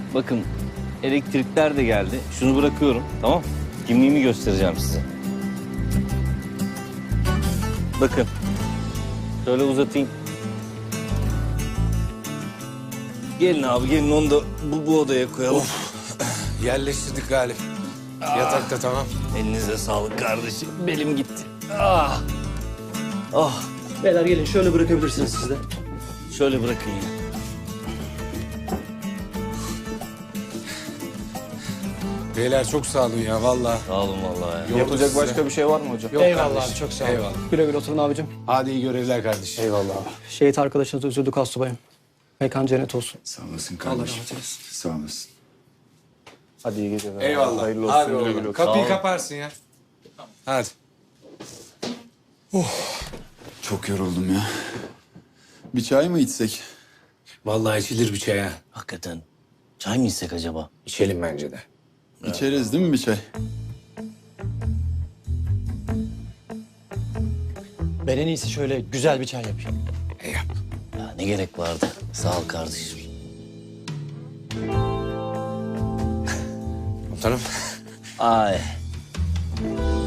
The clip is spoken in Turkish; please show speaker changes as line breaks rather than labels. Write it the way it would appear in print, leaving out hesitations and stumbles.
Bakın elektrikler de geldi. Şunu bırakıyorum, tamam? Kimliğimi göstereceğim size. Bakın. Şöyle uzatayım. Gelin abi, gelin onu da bu odaya koyalım.
Yerleştirdik Galip. Yatakta tamam.
Elinize sağlık kardeşim. Belim gitti. Ah. Ah.
Beyler gelin şöyle bırakabilirsiniz siz de.
Şöyle bırakın ya.
Beyler çok sağ olun ya vallahi.
Sağ olun vallahi ya.
Yapılacak başka bir şey var mı hocam?
Yok
Eyvallah
kardeşim,
abi, çok sağ olun.
Eyvallah.
Güle güle oturun abicim.
Hadi iyi görevler kardeşim.
Eyvallah abi.
Şehit arkadaşınız üzüldük astsubayım. Mekan cennet olsun.
Sağ olasın
Allah
kardeşim.
rahmet eylesin.
Sağ olasın.
Hadi iyi geceler.
Eyvallah.
Hayırlı olsun.
Hadi
Güle
oğlum.
güle olsun.
Kapıyı
Sağ ol.
kaparsın ya. Hadi.
Çok yoruldum ya. Bir çay mı içsek?
Vallahi içilir bir çay ha.
Hakikaten. Çay mı içsek acaba?
İçelim bence de.
İçeriz değil mi bir çay?
Ben en iyisi şöyle güzel bir çay yapayım.
Yap.
Ya ne gerek vardı? Sağ ol kardeşim.
Komutanım.
Ay.